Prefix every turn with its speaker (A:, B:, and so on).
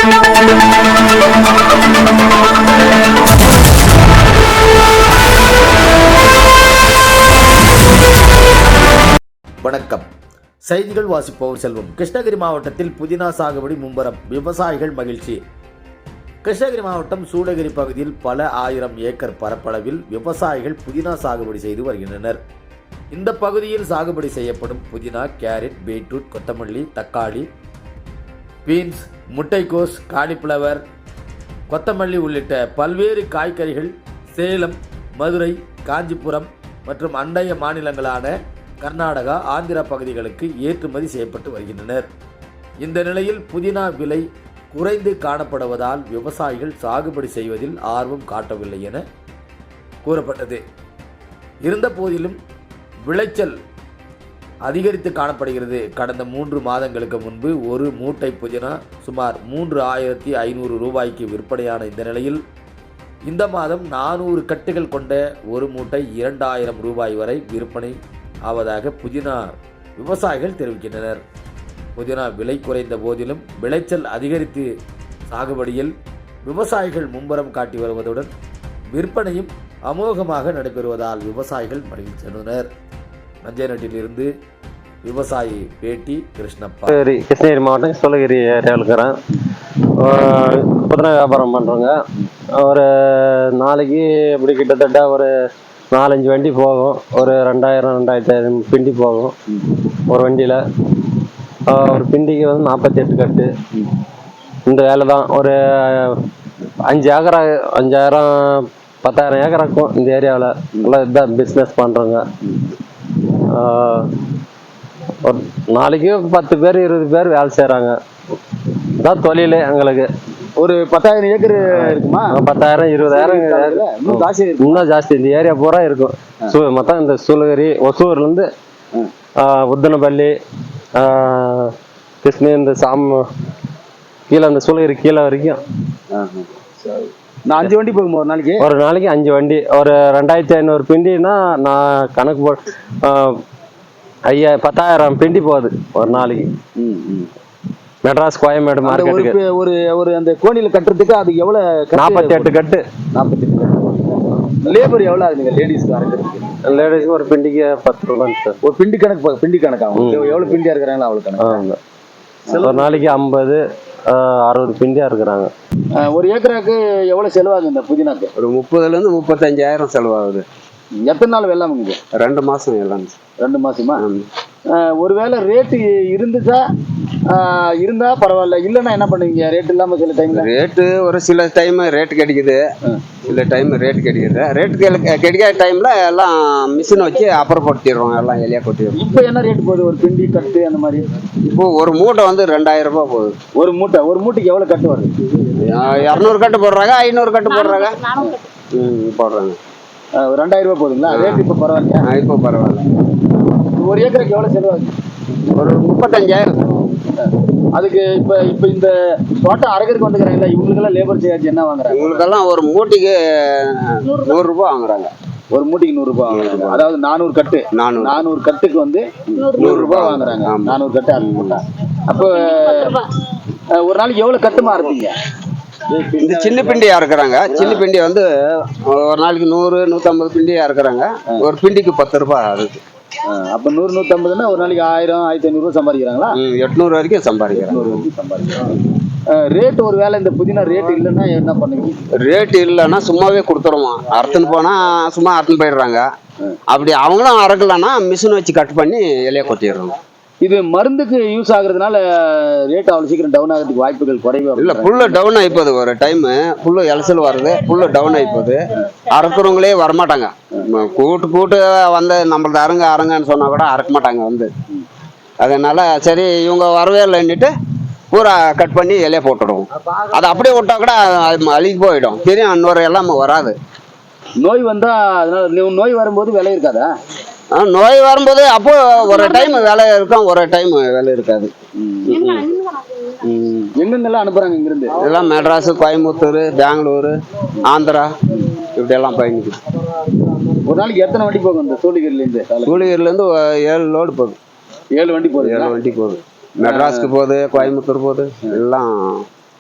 A: வணக்கம். செய்திகள் வாசிப்பவர் செல்வம். கிருஷ்ணகிரி மாவட்டத்தில் புதினா சாகுபடி மும்முரம், விவசாயிகள் மகிழ்ச்சி. கிருஷ்ணகிரி மாவட்டம் சூளகிரி பகுதியில் பல ஆயிரம் ஏக்கர் பரப்பளவில் விவசாயிகள் புதினா சாகுபடி செய்து வருகின்றனர். இந்த பகுதியில் சாகுபடி செய்யப்படும் புதினா, கேரட், பீட்ரூட், கொத்தமல்லி, தக்காளி, பீன்ஸ், முட்டைக்கோஸ், காலிஃப்ளவர், கொத்தமல்லி உள்ளிட்ட பல்வேறு காய்கறிகள் சேலம், மதுரை, காஞ்சிபுரம் மற்றும் அண்டைய மாநிலங்களான கர்நாடகா, ஆந்திரா பகுதிகளுக்கு ஏற்றுமதி செய்யப்பட்டு வருகின்றனர். இந்த நிலையில் புதினா விலை குறைந்து காணப்படுவதால் விவசாயிகள் சாகுபடி செய்வதில் ஆர்வம் காட்டவில்லை என கூறப்பட்டது. இருந்த போதிலும் விளைச்சல் அதிகரித்து காணப்படுகிறது. கடந்த 3 மாதங்களுக்கு முன்பு ஒரு மூட்டை புதினா சுமார் 3500 ரூபாய்க்கு விற்பனையான இந்த நிலையில் இந்த மாதம் 400 கட்டுகள் கொண்ட ஒரு மூட்டை 2000 ரூபாய் வரை விற்பனை ஆவதாக புதினா விவசாயிகள் தெரிவிக்கின்றனர். புதினா விலை குறைந்த போதிலும் விளைச்சல் அதிகரித்து சாகுபடியில் விவசாயிகள் மும்முரம் காட்டி வருவதுடன் விற்பனையும் அமோகமாக நடைபெறுவதால் விவசாயிகள் மகிழ்ச்சியுள்ளனர். நஞ்சைநட்டிலிருந்து விவசாயி பேட்டி கிருஷ்ணப்பா.
B: கிருஷ்ணகிரி மாவட்டம் சூளகிரி ஏரியாவில் இருக்கிறேன். புதினா வியாபாரம் பண்ணுறோங்க. ஒரு நாளைக்கு இப்படி கிட்டத்தட்ட ஒரு 4-5 வண்டி போகும். ஒரு 2000-2500 பிண்டி போகும் ஒரு வண்டியில். ஒரு பிண்டிக்கு வந்து 48 கட்டு. இந்த வேலை தான். ஒரு 5 ஏக்கரா 5000-10,000 ஏக்கர் இருக்கும் இந்த ஏரியாவில். நல்லா இதுதான் பிஸ்னஸ் பண்ணுறோங்க. ஒரு நாளைக்கு 10 பேர் 20 பேர் வேலை செய்கிறாங்க. இதுதான் தொழில் எங்களுக்கு.
C: ஒரு 10,000 ஏக்கர் இருக்குமா?
B: 10,000 20,000 இன்னும் ஜாஸ்தி. இந்த ஏரியா பூரா இருக்கும். மொத்தம் இந்த சூளகிரி, ஒசூர்லேருந்து உத்தனப்பள்ளி, கிருஷ்ணகிரி, இந்த கீழே அந்த சூளகிரி கீழே வரைக்கும்
C: நான் 5 வண்டி போகும் ஒரு நாளைக்கு.
B: 5 வண்டி. ஒரு 2500 பிண்டின்னா நான் கணக்கு போ 10,000 பிண்டி போகுது ஒரு நாளைக்கு. மெட்ராஸ், கோயம்பேடு மார்க்கெட்டுக்கு.
C: ஒரு அந்த கோணியில கட்டுறதுக்கு அது எவ்வளவு?
B: 48 கட்டு.
C: 48 லேபர் எவ்வளவு ஆகுதுங்க லேடிஸ்க்கு அரைக்கிறதுக்கு?
B: லேடிஸ்க்கு ஒரு பிண்டிக்கு 10 ரூபாய் சார்.
C: ஒரு பிண்டி கணக்காகும். எவ்வளவு பிண்டியா இருக்கிறாங்களோ அவ்வளவு கணக்கு.
B: ஒரு நாளைக்கு 50-60 பிண்டியா இருக்கிறாங்க.
C: ஒரு ஏக்கராக்கு எவ்வளவு செலவாகுது இந்த புதினாக்கு?
B: ஒரு 30,000 to 35,000 செலவாகுது.
C: எத்தனை நாள் வெள்ளாமுங்க?
B: 2 மாசம் எல்லாம்.
C: 2 மாசமா? ஒருவேளை ரேட்டு இருந்தா பரவாயில்ல, இல்லைன்னா என்ன பண்ணுவீங்க? ரேட் இல்லாம சில டைம்ல
B: ரேட்டு ஒரு சில டைம் ரேட் கிடைக்குது, சில டைம் ரேட் கிடைக்குது. ரேட் கிடைக்காத டைம்ல எல்லாம் மிஷின் வச்சு அப்புறப்படுத்திடுறோம், எல்லாம் எலியா கொட்டிடுறோம்.
C: இப்போ என்ன ரேட் போகுது ஒரு பிண்டி கட்டு அந்த மாதிரி?
B: இப்போ ஒரு மூட்டை வந்து 2000 ரூபாய் போகுது.
C: ஒரு மூட்டைக்கு எவ்வளவு கட்டு வருது?
B: 200 கட்டு போடுறாங்க, 500 கட்டு போடுறாங்க. போடுறாங்க.
C: 2000 ரூபாய் போகுதுங்களா? ரேட் இப்போ பரவாயில்லையா?
B: இப்போ பரவாயில்ல.
C: ஒரு ஏக்கருக்கு எவ்வளவு செலவாகுது?
B: ஒரு 35,000.
C: அதுக்கு இப்ப இந்த தோட்டம் அரைக்கிறதுக்கு வந்துக்கிறாங்களா, இவங்களுக்கெல்லாம் லேபர் சார்ஜ் என்ன வாங்குறாங்க?
B: இவங்களுக்கெல்லாம் ஒரு மூட்டைக்கு 100 ரூபாய் வாங்குறாங்க.
C: ஒரு மூட்டைக்கு 100 ரூபாய் வாங்குறாங்க. அதாவது 400 கட்டு. 400 கட்டுக்கு வந்து 100 ரூபாய் வாங்குறாங்க. 400 கட்டு அது மூட்டை. அப்போ ஒரு நாளைக்கு எவ்வளவு கட்டுமா இருப்பீங்க?
B: இந்த சின்ன பிண்டியா இருக்கிறாங்க. சின்ன பிண்டி வந்து ஒரு நாளைக்கு 100-150 பிண்டியா இருக்கிறாங்க. ஒரு பிண்டிக்கு 10 ரூபாய் ஆகுது.
C: அப்ப 100-150ன்னா ஒரு நாளைக்கு 1000-1500 ரூபாய் சம்பாதிக்கிறாங்களா?
B: 800 வரைக்கும் சம்பாதிக்கிறாங்க.
C: ரேட் ஒரு வேலை இந்த புதினா ரேட் இல்லைன்னா என்ன பண்ணுவீங்க?
B: ரேட் இல்லைன்னா சும்மாவே கொடுத்துருவோம். அறுத்துன்னு போனா சும்மா அறுத்துன்னு போயிடுறாங்க. அப்படி அவங்களும் அறக்கலன்னா மிஷின் வச்சு கட் பண்ணி இலைய கொட்டிடுறோம்.
C: இது மருந்துக்கு யூஸ் ஆகுறதுனால ரேட் அவ்வளவு சீக்கிரம் டவுன் ஆகிறதுக்கு வாய்ப்புகள் குறைவு
B: இல்ல. புல்லு டவுன் ஆயிப்போது. ஒரு டைம் புல்லு இலசல் வருது, புல்லு டவுன் ஆயிப்போது. அறுக்கிறவங்களே வரமாட்டாங்க. கூட்டு வந்து நம்மளது அருங்கன்னு சொன்னா கூட அறுக்க மாட்டாங்க வந்து. அதனால சரி இவங்க வரவே இல்லைன்னுட்டு பூரா கட் பண்ணி இலைய போட்டுடுவோம். அது அப்படியே விட்டா கூட அது அழுகி போயிடும். தெரியும் இன்னொரு எல்லாம் வராது.
C: நோய் வந்தா அதனால நோய் வரும்போது விலை இருக்காதா?
B: நோய் வரும்போது அப்போ ஒரு டைம் வேலை இருக்கும், ஒரு டைம் வேலை இருக்காது.
C: எங்கெங்கெல்லாம் அனுப்புறாங்க இங்கிருந்து?
B: இதெல்லாம் மெட்ராஸ், கோயம்புத்தூர், பெங்களூரு, ஆந்திரா இப்படி எல்லாம் பயணிக்குது.
C: ஒரு நாளைக்கு எத்தனை வண்டி போகும் இந்த சூளகிரிலேருந்து?
B: சூளகிரிலேருந்து 7 லோடு போகுது.
C: 7 வண்டி போகுது.
B: 7 வண்டி போகுது. மெட்ராஸ்க்கு போகுது, கோயம்புத்தூர் போகுது, எல்லாம்